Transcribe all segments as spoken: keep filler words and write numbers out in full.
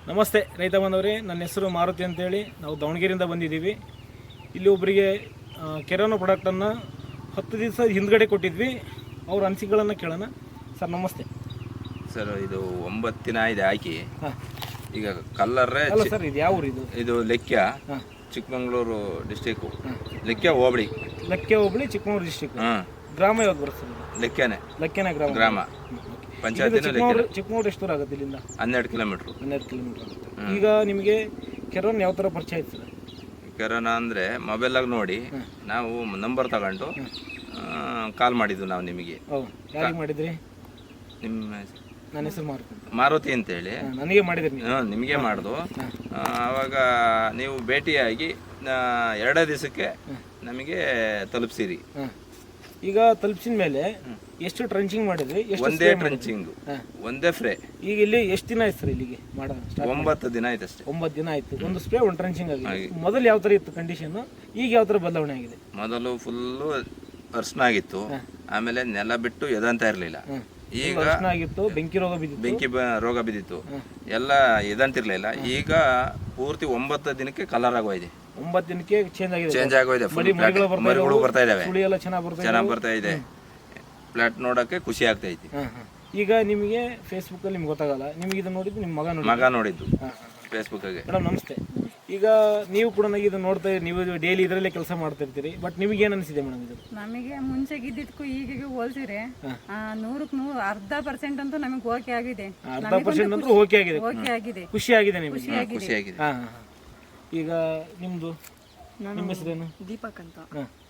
ನಮಸ್ತೆ ರೈತ ಬಾಂಧವರೇ, ನನ್ನ ಹೆಸರು ಮಾರುತಿ ಅಂತೇಳಿ. ನಾವು ದಾವಣಗೆರೆಯಿಂದ ಬಂದಿದ್ದೀವಿ. ಇಲ್ಲಿ ಒಬ್ಬರಿಗೆ ಕೆರೋನೋ ಪ್ರಾಡಕ್ಟನ್ನು ಹತ್ತು ದಿವಸ ಹಿಂದ್ಗಡೆ ಕೊಟ್ಟಿದ್ವಿ. ಅವ್ರ ಅನಿಸಿಕೆಗಳನ್ನು ಕೇಳೋಣ. ಸರ್ ನಮಸ್ತೆ. ಸರ್ ಇದು ಒಂಬತ್ತು ದಿನ ಇದೆ ಹಾಕಿ. ಈಗ ಕಲ್ಲರ್ರೆ ಅಲ್ಲ ಸರ್, ಇದು ಯಾವ ಊರು? ಇದು ಇದು ಲೆಕ್ಕ, ಚಿಕ್ಕಮಗಳೂರು ಡಿಸ್ಟಿಕ್ಕು, ಲೆಕ್ಕ ಹೋಬಳಿ. ಲೆಕ್ಕೆ ಹೋಬಳಿ, ಚಿಕ್ಕಮಗಳೂರು ಡಿಸ್ಟಿಕ್. ಗ್ರಾಮ ಯಾವ್ದು ಬರುತ್ತೆ ಸರ್? ಲೆಕ್ಕನೆ. ಲೆಕ್ಕನೆ ಗ್ರಾಮ. ಗ್ರಾಮ ಪಂಚಾಯತ್. ಚಿಕ್ಕಮಗಳೂರು ಎಷ್ಟು ದೂರ ಆಗುತ್ತೆ ಇಲ್ಲಿಂದ? ಹನ್ನೆರಡು ಕಿಲೋಮೀಟ್ರು. ಹನ್ನೆರಡು ಕಿಲೋಮೀಟರ್ ಆಗುತ್ತೆ. ಈಗ ನಿಮಗೆ ಕೆರೋನ್ ಯಾವ ಥರ ಪರಿಚಯ ಆಯ್ತು ಸರ್? ಕೆರೋನಾ ಅಂದರೆ ಮೊಬೈಲಾಗಿ ನೋಡಿ ನಾವು ನಂಬರ್ ತಗೊಂಡು ಕಾಲ್ ಮಾಡಿದ್ವು ನಾವು ನಿಮಗೆ. ಹೌದು, ಯಾರಿಗೆ ಮಾಡಿದ್ರಿ? ನಿಮ್ಮ ನನ್ನ ಹೆಸರು ಮಾರುತಿ ಮಾರುತಿ ಅಂತೇಳಿ ನನಗೆ ಮಾಡಿದ್ರಿ? ಹಾಂ, ನಿಮಗೆ ಮಾಡ್ದು. ಆವಾಗ ನೀವು ಭೇಟಿಯಾಗಿ ಎರಡೇ ದಿವಸಕ್ಕೆ ನಮಗೆ ತಲುಪಿಸಿರಿ. ಈಗ ತಲುಪಿಸಿದ ಮೇಲೆ ಎಷ್ಟು ಟ್ರಂಚಿಂಗ್ ಮಾಡಿದ್ರಿ? ಒಂದೇ ಟ್ರಂಚಿಂಗ್, ಒಂದೇ ಫ್ರೇ. ಈಗ ಇಲ್ಲಿ ಎಷ್ಟು ದಿನ ಆಯ್ತು ಸರ್ ಇಲ್ಲಿಗೆ ಮಾಡ? ಒಂಬತ್ತು ದಿನ ಆಯ್ತು ಅಷ್ಟೇ. ಒಂಬತ್ತು ದಿನ ಆಯ್ತು. ಒಂದು ಸ್ಪ್ರೇ, ಒಂದು ಟ್ರಂಚಿಂಗ್ ಆಗಿದೆ. ಮೊದಲು ಯಾವ ಥರ ಇತ್ತು ಕಂಡೀಷನ್, ಈಗ ಯಾವ ಥರ ಬದಲಾವಣೆ ಆಗಿದೆ? ಮೊದಲು ಫುಲ್ಲು ಅರ್ಶನ ಆಗಿತ್ತು, ಆಮೇಲೆ ನೆಲ ಬಿಟ್ಟು ಎದಂತ ಇರಲಿಲ್ಲ. ಈಗ ಆಗಿತ್ತು, ಬೆಂಕಿ ರೋಗ ಬಿದ್ದಿತ್ತು. ಬೆಂಕಿ ರೋಗ ಬಿದ್ದಿತ್ತು, ಎಲ್ಲ ಎದಂತಿರ್ಲಿಲ್ಲ. ಈಗ ಪೂರ್ತಿ ಒಂಬತ್ತು ದಿನಕ್ಕೆ ಕಲರ್ ಆಗೋಯ್ದೆ. ಒಂಬತ್ತು ದಿನಕ್ಕೆ ಚೇಂಜ್ ಆಗಿದೆ. ಚೇಂಜ್ ಆಗೋಯ್ದೆ. ಮರಿಗಳು ಬರ್ತಾ ಇದಾವೆ, ಚೆನ್ನಾಗಿ ಚೆನ್ನಾಗಿ ಬರ್ತಾ ಇದೆ. ಫ್ಲಾಟ್ ನೋಡಕ್ಕೆ ಖುಷಿ ಆಗ್ತಾ ಐತಿ. ಈಗ ನಿಮಗೆ ಫೇಸ್ಬುಕ್ ಅಲ್ಲಿ ನಿಮ್ಗೆ ಗೊತ್ತಾಗಲ್ಲ, ನಿಮಗೆ ಇದನ್ನ ನೋಡಿದ್ದು ನಿಮ್ಮ ಮಗ ನೋಡಿ ಮಗ ನೋಡಿದ್ದು ಫೇಸ್ಬುಕ್ ಆಗಿ. ಮೇಡಮ್ ನಮಸ್ತೆ. ಈಗ ನೀವು ಕೂಡ ಇದು ನೋಡ್ತಾ, ನೀವು ಡೈಲಿ ಇದರಲ್ಲೇ ಕೆಲಸ ಮಾಡ್ತಾ ಇರ್ತೀರಿ. ಬಟ್ ನಿಮಗೆ ಏನು ಅನಿಸಿದೆ ಮೇಡಮ್ ಇದು? ನಮಗೆ ಮುಂಚೆಗಿದ್ದಕ್ಕೂ ಈಗಿಗೆ ಹೋಲಿಸಿದ್ರೆ ನೂರಕ್ಕೆ ನೂರು ಅರ್ಧ ಪರ್ಸೆಂಟ್ ಅಂತೂ ನಮಗೆ ಓಕೆ ಆಗಿದೆ. ಅರ್ಧ ಪರ್ಸೆಂಟ್ ಅಂತೂ ಓಕೆ ಆಗಿದೆ. ಓಕೆ ಆಗಿದೆ, ಖುಷಿ ಆಗಿದೆ ನಿಮಗೆ? ಖುಷಿ ಆಗಿದೆ. ಹಾ ಹಾ. ಈಗ ನಿಮ್ದು ನಿಮ್ಮ ಹೆಸರೇನು? ದೀಪಕ್ ಅಂತ.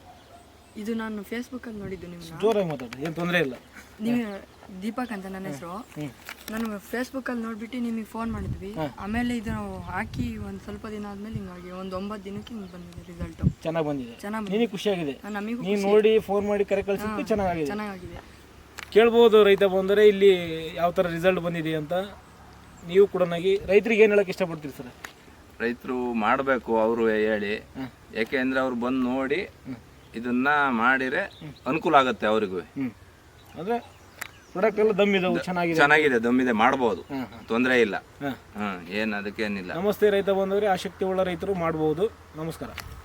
ಇದು ನಾನು ಫೇಸ್ಬುಕ್ ಅಲ್ಲಿ ನೋಡಿದ್ದು. ನಿಮ್ಗೆ ಜೋರಾಗಿ ಮಾತಾಡಿ, ಏನು ತೊಂದರೆ ಇಲ್ಲ. ನೀವು ದೀಪಕ್ ಅಂತ ನನ್ನ ಹೆಸರು. ನಾನು ಫೇಸ್ಬುಕ್ ಅಲ್ಲಿ ನೋಡ್ಬಿಟ್ಟು ನಿಮಗೆ ಫೋನ್ ಮಾಡಿದ್ವಿ. ಆಮೇಲೆ ಇದು ಹಾಕಿ ಒಂದು ಸ್ವಲ್ಪ ದಿನ ಆದ್ಮೇಲೆ ಹಿಂಗಾಗಿ ಒಂದು ಒಂಬತ್ತು ದಿನಕ್ಕೆ ಹಿಂಗೆ ಬಂದಿದೆ ರಿಸಲ್ಟ್. ಚೆನ್ನಾಗಿ ಬಂದಿದೆ. ಚೆನ್ನಾಗಿ ನಿನಗೆ ಖುಷಿ ಆಗಿದೆ? ನಮಗೂ ನೀವು ನೋಡಿ ಫೋನ್ ಮಾಡಿ ಕರೆ ಕಳಿಸಿದ್ದು ಚೆನ್ನಾಗಿದೆ. ಚೆನ್ನಾಗಿದೆ. ಕೇಳ್ಬೋದು ರೈತ ಬಂದರೆ ಇಲ್ಲಿ ಯಾವ ಥರ ರಿಸಲ್ಟ್ ಬಂದಿದೆ ಅಂತ. ನೀವು ಕೂಡ ರೈತರಿಗೆ ಏನು ಹೇಳಕ್ಕೆ ಇಷ್ಟಪಡ್ತೀರಿ ಸರ್? ರೈತರು ಮಾಡಬೇಕು ಅವರು ಹೇಳಿ, ಯಾಕೆಂದ್ರೆ ಅವ್ರು ಬಂದು ನೋಡಿ ಇದನ್ನ ಮಾಡಿದ್ರೆ ಅನುಕೂಲ ಆಗುತ್ತೆ ಅವ್ರಿಗೂ. ಅಂದ್ರೆ ಪ್ರಾಡಕ್ಟ್ ಎಲ್ಲ ದಮ್ ಇದಾವೆ, ಚೆನ್ನಾಗಿದೆ. ಚೆನ್ನಾಗಿದೆ, ದಮ್ಮಿದೆ, ಮಾಡ್ಬೋದು, ತೊಂದರೆ ಇಲ್ಲ. ಹ್ಮ್, ಏನ್ ಅದಕ್ಕೇನಿಲ್ಲ. ನಮಸ್ತೆ ರೈತ ಬಂದವರೇ, ಆಸಕ್ತಿ ಉಳ್ಳ ರೈತರು ಮಾಡ್ಬೋದು. ನಮಸ್ಕಾರ.